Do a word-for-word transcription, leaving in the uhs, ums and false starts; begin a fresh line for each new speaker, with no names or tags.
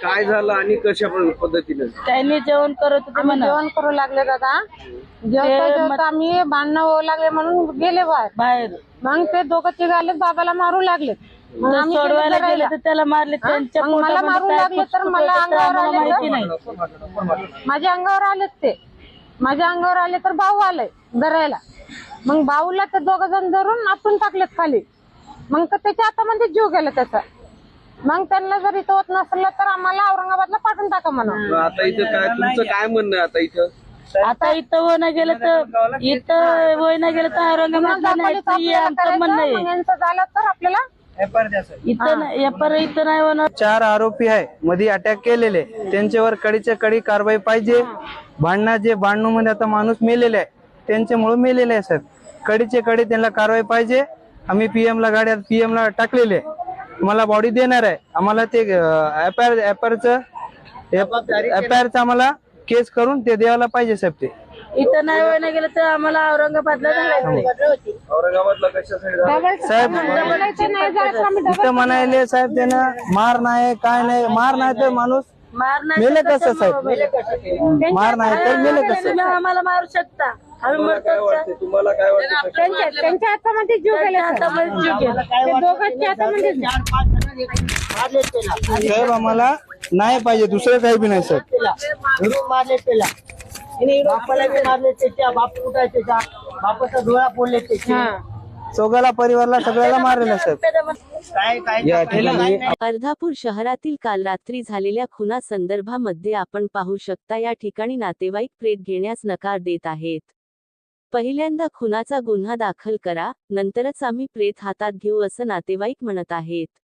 काय झालं आणि कशा पद्धतीने
त्यांनी जेवण करत होते
आम्ही
म्हणा
जेवण करू लागले दादा. जेवता जेवता आम्ही भांडणं होऊ लागले म्हणून गेले बाहेर.
बाहेर
मग ते दोघं तिघ आले, बाबाला मारू लागले. मग आम्ही तिथे
सोडवायला गेले
राहिला.
तर त्याला मारले. त्यांच्या
मग मला मारू
पोटामध्ये काय
लागले तर
फुसफुस
मला
होतं ते
अंगावर
आम्हाला
आले
माहिती
तर-
नाही.
माझ्या अंगावर आलेत ते. माझ्या अंगावर आले तर भाऊ आलाय धरायला. मग भाऊला ते दोघ जण धरून आपण टाकलेत खाली. मग तर त्याच्या हातामध्ये जीव गेला त्याचा. मग त्यांना जर इथं होत नसलं तर आम्हाला औरंगाबादला पाठवून टाका म्हणा.
आता इथं काय तुमचं काय म्हणणं आहे आता इथं?
आता इथं वय नाही गेलं तर इथं वय नाही गेलं तर औरंगाबादला न्यायचं हे आमचं म्हणणं आहे.
मग यांचं झालं तर आपल्याला
इथं नाही एपर इथं नाही होणार.
चार आरोपी आहे मध्ये अटॅक केलेले, त्यांच्यावर कडीच्या कडी कारवाई पाहिजे. भांडणा जे भांडणू मध्ये आता माणूस मेलेले आहे त्यांच्यामुळे मेलेले आहे साहेब. कडीचे कडी त्यांना कारवाई पाहिजे. आम्ही पीएम ला गाड्या पीएम ला टाकलेले, मला बॉडी देणार आहे. आम्हाला ते F I R F I R आम्हाला केस करून ते द्यायला पाहिजे साहेब. ते
इथं नाही वय नाही गेलं तर आम्हाला औरंगाबादला जायचंय.
औरंगाबादला कशासाठी
साहेब इथं म्हणायले साहेब त्यानं मार नाही काय नाही. मार नाही तर माणूस
मार नाही
मेले
तर
कसं साहेब? मार नाही तर मेले कसं?
तुम्ही आम्हाला मारू शकता. आम्ही
तुम्हाला काय
मरतो
वाटतं तुम्हाला काय वाटतं
त्यांच्या त्यांच्या हातामध्ये जीव गेला.
हातामध्ये जीव गेला.
ते दोघांच्या हातामध्ये
साहेब आम्हाला नाही पाहिजे, दुसरं काही बी नाही साहेब.
मारले त्याला बापाला बी मारले, त्याच्या बाप कुठे त्याच्या बापाचा डोळा फोडले त्याचे.
चौघाला परिवारला सगळ्याला मारलेलं साहेब.
काय काय
या ठिकाणी
अर्धापूर शहरातील काल रात्री झालेल्या खुना संदर्भामध्ये आपण पाहू शकता या ठिकाणी नातेवाईक प्रेत घेण्यास नकार देत आहेत. पहिल्यांदा खुनाचा गुन्हा दाखल करा, नंतरच आम्ही प्रेत हातात घेऊ असं नातेवाईक म्हणत आहेत.